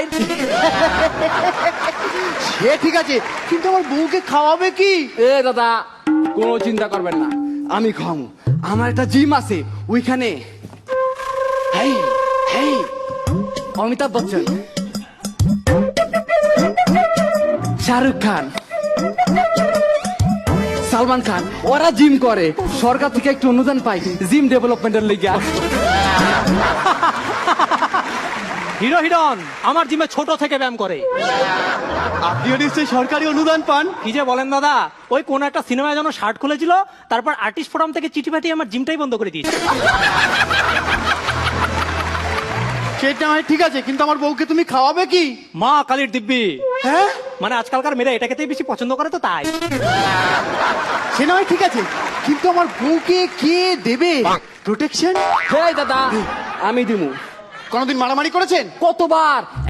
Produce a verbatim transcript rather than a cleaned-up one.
Line. সে ঠিক আছে, কিন্তু আমার বউকে খাওয়াবে কি? এ দাদা, কোনো চিন্তা করবেন না, আমি খাওয়াবো। আমার একটা জিম আছে ওইখানে। হেই হেই, অমিতাভ বচ্চন, শাহরুখ খান, সালমান খান, ওরা জিম করে। সরকার থেকে একটু অনুদান পাই জিম ডেভেলপমেন্টের লিগে। হিরো হিরন আমার জিমে ছোট থেকে ব্যায়াম করে। আপনিও নিশ্চয়ই সরকারি অনুদান পান? কি যে বলেন দাদা, ওই কোন একটা সিনেমায় যেন শার্ট খুলেছিল, তারপর আর্টিস্ট ফোরাম থেকে চিঠি পাঠিয়ে আমার জিমটাই বন্ধ করে দিয়েছে। সেটা হয় ঠিক আছে, কিন্তু আমার বউকে তুমি খাওয়াবে কি? মা কালীর দিব্যি। হ্যাঁ, মানে আজকালকার মেয়েরা এটা খেতেই বেশি পছন্দ করে তো তাই। সে নয় ঠিক আছে, কিন্তু আমার বউকে কে দেবে প্রোটেকশন? হেই দাদা, আমি দিমু। কোনোদিন মারামারি করেছেন? কতবার